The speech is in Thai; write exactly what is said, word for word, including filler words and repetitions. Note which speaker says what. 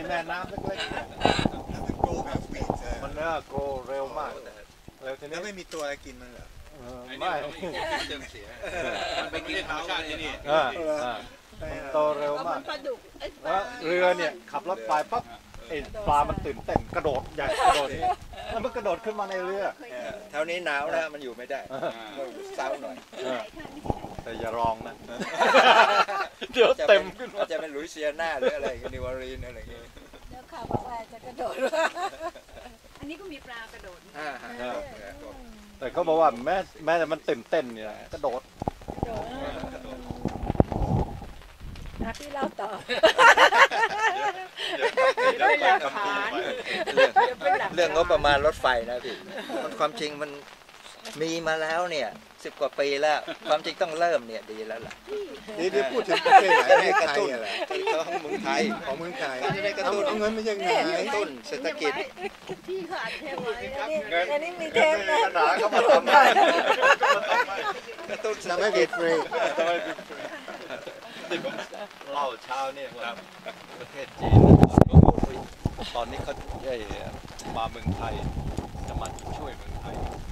Speaker 1: แม่น้ำเล็กๆ
Speaker 2: โกแบบวีด
Speaker 1: มันเนี่ยโกเร็วมากเร็วที
Speaker 2: แล้
Speaker 1: นี้
Speaker 2: วไม่มีตัวอะไรกินมันเหรอ
Speaker 1: ไม่
Speaker 3: เติมเสียมันเป็นกินธรรมชาติที่นี่
Speaker 1: มันโตเร็วมาก
Speaker 4: ปลาดุกไอ้ป
Speaker 1: แล้
Speaker 4: ลาว
Speaker 1: เรือเนี่ยขับรถไปปั๊บไอ้ปลามันตื่นเต้นกระโดดใหญ่กระโดดนี้แล้วมันกระโดดขึ้นมาในเรือ
Speaker 5: เท่านี้หนาวนะมันอยู่ไม่ได้ต้องเศร้าหน่อย
Speaker 1: แต่อย่าลองนะเดี๋ยวเต็มขึ้น
Speaker 5: อาจจะเป็นลุยเซียนาหรืออะไรนิวออรีนอะไรอย่างเงี้ย
Speaker 4: แล้วข่าวบอกว่าจะกระโดดอันนี้ก็มีปลากระโดด
Speaker 5: อ่าฮะ
Speaker 1: แต่เขาบอกว่าแม้แม้แต่มันตื่นเต้นเนี่ยกระโดด
Speaker 4: นะพี่เล่าต่อ
Speaker 3: เดี๋ยวไปคำพูดมา
Speaker 5: เรื่องงบประมาณรถไฟนะพี่มันความจริงมันมีมาแล้วเนี่ยสิบกว่าปีแล้วความจริงต้องเริ่มเนี่ยดีแล้วล่ะ
Speaker 2: นี่เดี๋ยวพูดถึงประเทศไหนประเทศ
Speaker 5: กระ
Speaker 2: ไทย
Speaker 5: ตุ้น
Speaker 2: อะไร
Speaker 5: ของเมืองไทย
Speaker 2: ของเมืองไทย
Speaker 5: จะได้กระตุ้น
Speaker 2: เอาเงินมาจากไหน
Speaker 5: กระตุ้นเศรษฐกิจ
Speaker 4: พี่เขาอัดเทปไว้อันนี้มีเท
Speaker 1: เงิน
Speaker 4: ป
Speaker 1: ไม่
Speaker 4: นะ
Speaker 1: มีปัญหาเขามาทำได้
Speaker 5: กระตุ้นเศรษ
Speaker 2: ทำ
Speaker 5: ฐ
Speaker 2: ให้
Speaker 5: กิ
Speaker 2: เป็
Speaker 5: จ
Speaker 2: นฟรี
Speaker 1: ที่ผมเล่าเช้าเนี่ยว่าประเทศจีนตอนนี้เขาได้มาเมืองไทยจะมาช่วยเมืองไทย